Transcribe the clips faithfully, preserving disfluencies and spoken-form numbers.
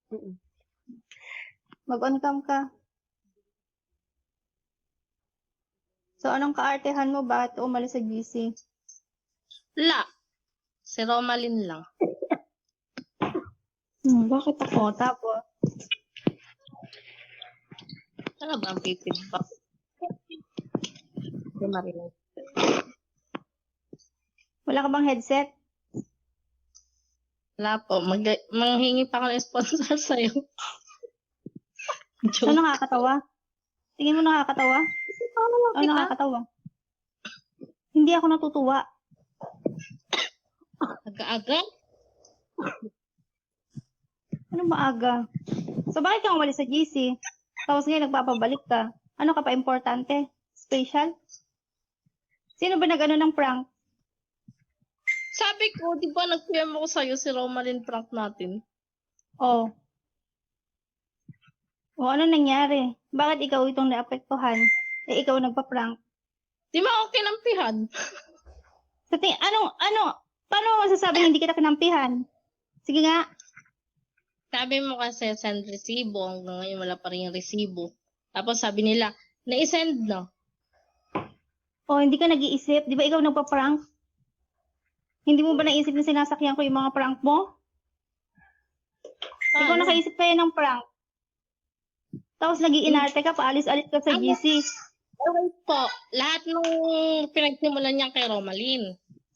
Mm. Mag-on cam ka. So, anong kaartehan mo? Bakit umalis sa G C? La. Si Romalyn lang. Hmm, bakit ako? Tapos, Ano ba ang feedback? Hindi marinig. wala ka bang headset? Wala po. Mag manghingi pa ako ng sponsor sa'yo. So, Joke. nakakatawa? Tingin mo nakakatawa? Ano lang O, kita? nakakatawa? Hindi ako natutuwa. Aga-aga? Ano maaga? So, bakit ka umalis sa G C? Tapos ngayon, nagpapabalik ka. Ano ka pa importante? Special? Sino ba nag-ano ng prank? Sabi ko, di ba nag-P M ako sa'yo si Romalyn prank natin? Oh. O, ano nangyari? Bakit ikaw itong naapektuhan? Eh, ikaw nagpa-prank. Di ba ako kinampihan? Sa ting- ano, ano, paano mo masasabing hindi kita kinampihan? Sige nga. Sabi mo kasi send resibo. Hanggang ngayon wala pa rin yung resibo. Tapos sabi nila, na-send na. O, hindi ka nag-iisip. Di ba ikaw nagpa-prank? Hindi mo ba naisip na sinasakyan ko yung mga prank mo? Ikaw Paano? nakaisip kaya ng prank. Tapos nag-iinarte ka, paalis-alis ka sa G C. Okay po. Lahat nung pinagsimulan niya kay Romalyn.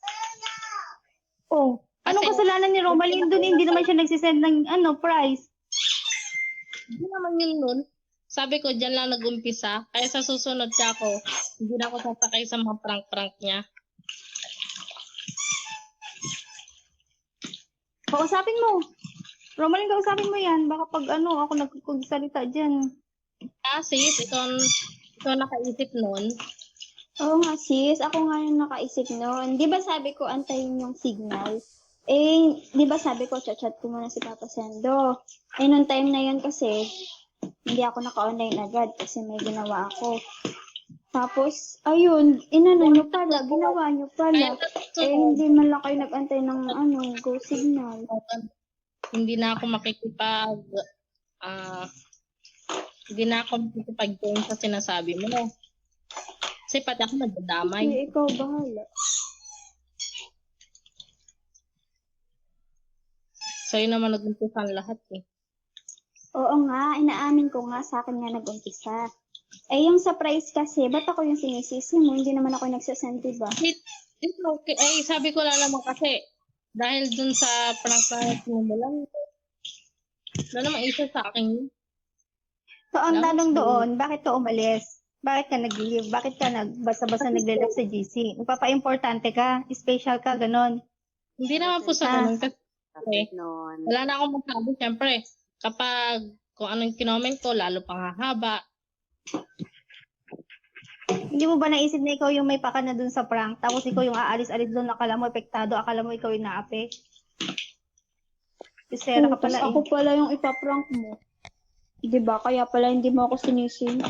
Oh, anong Kasi- kasalanan ni Romalyn doon? Hindi naman siya nagsisend ng ano, price. Hindi naman yun nun. Sabi ko, dyan lang nag-umpisa. Kaya sa susunod ka ako, hindi na ako sasakay sa mga prank-prank niya. Kausapin mo. Romalyn, kausapin mo yan. Baka pag ano, ako nagkukusalita dyan. Ah, sis, ikaw, ikaw nakaisip nun. Oo nga sis, ako nga yung nakaisip noon. Di ba sabi ko antayin yung signal? Eh, di ba sabi ko chat-chat ko muna si Papa Sendo. Eh, nung time na yun kasi, hindi ako naka-online agad kasi may ginawa ako. Tapos, ayun, inano nyo pala, ginawa nyo pala. Eh, hindi man lang kayo nag-antay ng ano, go signal. Hindi na ako makikipag, ah, hindi na ako makikipag-join sa sinasabi mo. Kasi pati ako nagdadamay. Sige, ikaw bahala. Sa'yo naman nag-umpisa ang lahat eh. Oo nga, inaamin ko nga sa akin nga nag-umpisa. Eh, yung surprise kasi, ba't ako yung sinisisi mo? Hindi naman ako nagsasend, diba? It, it's okay. Eh, sabi ko lang naman kasi, dahil dun sa prank na sinumulan, wala naman isa sa akin yun. So, ang Lang, tanong so- doon, bakit ka umalis? Bakit ka nag-leave? Bakit ka nagbasa-basa naglalak sa G C? Nagpapa-importante ka? Special ka? Ganon. Hindi naman po sa Ah. ganun kasi Noon. wala na akong masabi. Siyempre, kapag kung anong kinoment ko, lalo pang hahaba. Hindi mo ba naisip na ikaw yung may paka na dun sa prank? Tapos ikaw yung aalis-alis doon, akala mo epektado, akala mo ikaw yung naape? Isera ka Oo, tas pala ako eh. pala yung ipaprank mo. Diba? Kaya pala hindi mo ako sinisin.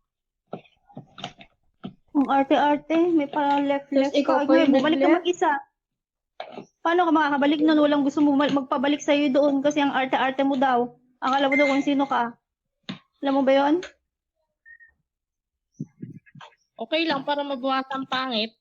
Ang arte-arte, may pa left-left Tas ikaw ka. pa Ngayon, yung bumalik ka nag-left? mag-isa. Paano ka makakabalik nun? Walang gusto mo mal- magpabalik sa'yo doon kasi ang arte-arte mo daw. Akala mo daw kung sino ka. Alam mo ba yon? Okay lang para mabawasan pangit.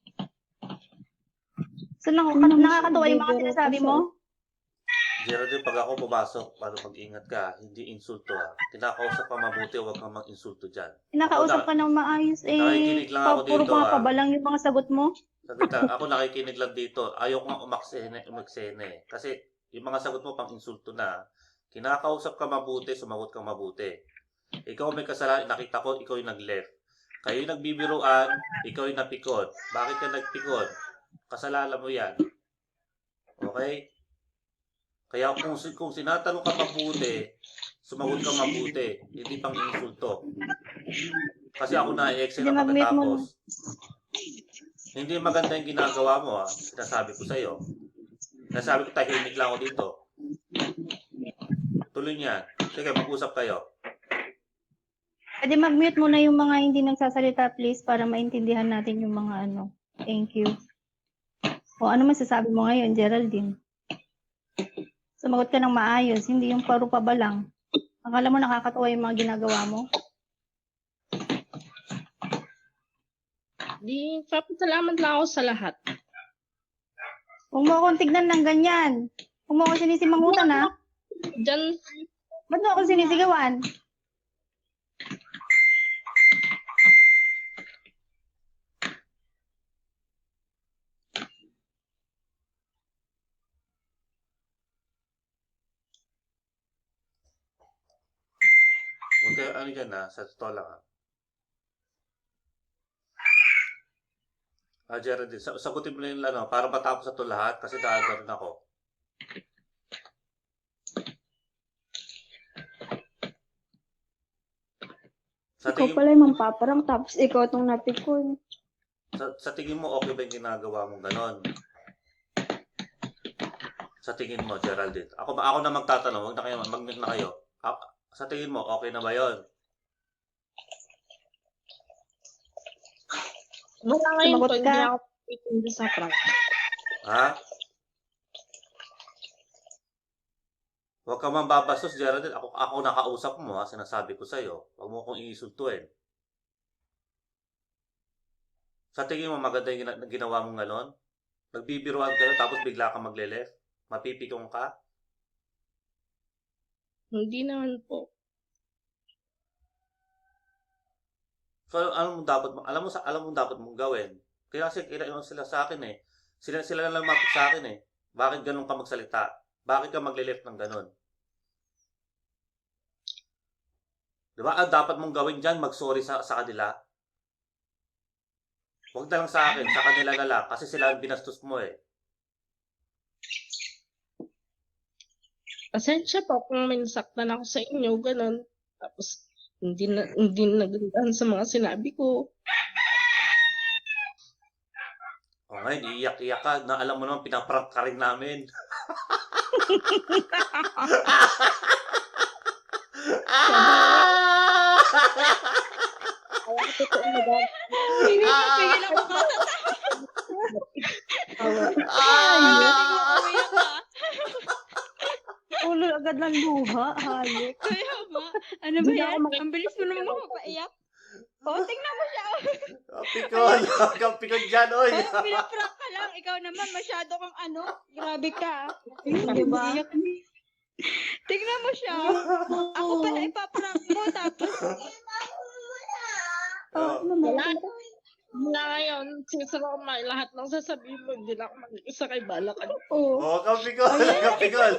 So, nang- Ano naman nakakatawa siya, yung mga bibiro sinasabi pa siya. mo? Geraldine, pag ako pumasok, paano mag-ingat ka? Hindi insulto ha. Kinakausap ka mabuti, huwag kang mag-insulto dyan. Nakausap Ako ka ng maayos eh. nakikinig lang ako Pa- puro dito, mga ah. pabalang yung mga sagot mo. Saglit ha, ako nakikinig lang dito. Ayaw ko nga umaksene, umaksene. Kasi yung mga sagot mo pang insulto na. Kinakausap ka mabuti, sumagot ka mabuti. Ikaw may kasalanan, nakita ko, ikaw yung nag-left. Kayo yung nagbibiruan, ikaw yung napikon. Bakit ka nagpikon? Kasalanan mo yan. Okay? Kaya kung, kung sinatanong ka mabuti, sumagot ka mabuti. Hindi pang insulto. Kasi ako na-exit Hindi, na mag-mute mo. pagkatapos. Hindi maganda yung ginagawa mo ha. Sinasabi ko sa'yo. Sinasabi ko tahimik lang ako dito. Tuloy niyan. Sige, mag-usap kayo. Pwede mag-mute mo na yung mga hindi nagsasalita please para maintindihan natin yung mga ano. Thank you. O ano masasabi mo ngayon, Geraldine? Sumagot ka ng maayos, hindi yung paro pa ba lang. Akala mo nakakatawa yung mga ginagawa mo? Di, papasalamat lang ako sa lahat. Huwag mo akong tignan ng ganyan. Huwag mo akong sinisimangutan, ha? Diyan, Ba't mo akong sinisigawan? Huwag kayo, ano dyan ha, sa totoo lang ha. Ah, Geraldine, sa- sagutin mo na yung ano, para matapos na ito lahat kasi nakaganon ako. Sa Ikaw tingin, pala yung mampaparang tapos ikaw tong napikon. sa, sa tingin mo, okay ba yung ginagawa mong ganon? Sa tingin mo, Geraldine. Ako ba, ako na magtatanong, huwag na kayo, mag-mute na kayo. Ah, sa tingin mo, okay na ba yun? wala ngayon Sumagot po, ka. hindi ako pitindi sa prank. Ha? Huwag ka man babastos, Geraldine. Ako, ako nakausap mo, ha? Sinasabi ko sa'yo. Huwag mo akong iinsultuin. Sa tingin mo, maganda yung gina- ginawa mong ganon? Nagbibiruan kayo, tapos bigla ka magle-left? Mapipikong ka? Hindi naman po. So, ano mo dapat, mo- alam mo, sa, alam mo dapat mong gawin? Kaya kasi, kailangan sila sa akin eh. Sila, sila na lang lumapit sa akin eh. Bakit ganun ka magsalita? Bakit ka magle-left ng ganon? Diba? Ang dapat mong gawin dyan, mag-sorry sa, sa kanila. Huwag na lang sa akin, sa kanila na lang. Kasi sila ang binastos mo eh. Pasensya po kung may nasaktan ako sa inyo, ganun. Tapos, hindi na, hindi nagandaan sa mga sinabi ko. O ngayon, iiyak-iyak ka na alam mo naman, pinaprank ka rin namin. Kaya ko totoo na dahil. Pigil na pigil ako katatawa. Umiyak ka. Ulo agad ng luha, hayop. Kaya ba? Ano ba Hindi na yan? ako maki- Ang bilis mo naman makapaiyak. O, tingnan mo siya. Pikon! Huwag kang pikon dyan, oy! O, pinaprank ka lang. Ikaw naman, masyado kang ano. Grabe ka. Di ba? Iyak ni. Tingnan mo siya. Ako pala ipaprank mo. Tapos, Oh. Wala. Mula ngayon, sisara ko ma- lahat ng sasabihin mo, hindi na ako mag-isa kay Balakan. oh. Huwag kang pikon! Huwag kang pikon!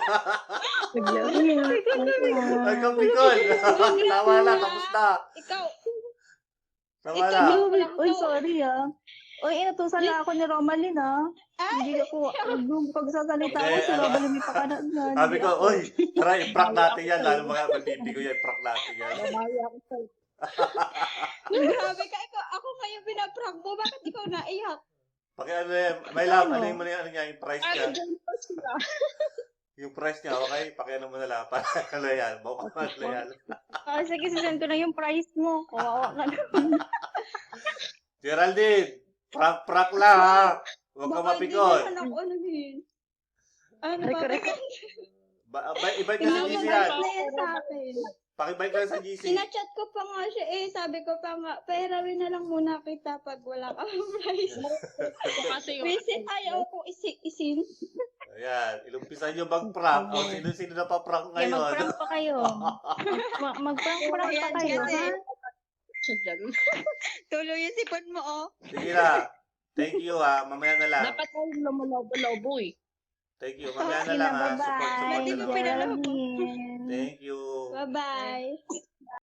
Huwag kang pikon! Tama na, tapos na! Ikaw, Tama Ikaw, na! Wala Uy, lang uy, to. sorry ah. Uy, inutusan na ako ni Romalyn ah. ay, Hindi ako, nung pagsasalita ko, Eh, si ano? Romalyn may pakana na. Sabi ko, oy, tara, i-prank natin yan. Lalo mga magbibigo yan, i-prank natin yan. Babawi ako sa grabe ka. Ikaw, ako kayo pinaprank mo. Bakit ikaw naiyak? Paki ano yan, may love, ano yung, ano niya, yung price niya. Ano dyan pa sila? Yung price niya, okay? Pakiano mo na lang. Para ano yan, baka ano yan. Ah, sige, sisend ko na yung price mo. Kawawa ka naman. Geraldine, prank-prank lang ha. Huwag ka Baka hindi mapikon. naman ako anuhin. Ano Ay, ba? correct. Ba, ba, ibay ka sa G C yan. Pinapabalik na yan sa akin. Pakibay ka sa G C. Sinachat ko pa nga siya eh. Sabi ko pa nga, pairawin na lang muna kita pag wala ka price. Kasi yung Visit, ayaw ko isi isin. Ayan, ilumpisan nyo mag-prank. O sino-sino na pa-prank Kaya ngayon. mag-prank pa kayo. Mag- Mag-prank-prank pa Ayan, kayo, kasi- ha? siya dyan. Tuloy yung sipon mo, oh. Sige na. Thank you ha. Mamaya na lang. Dapat tayo lumalobo-lobo eh. Thank you. Mamaya na Sige lang na, ha. Support, support bye-bye. Hindi na ko lang. pinala- Geraldine. Thank you. Bye-bye.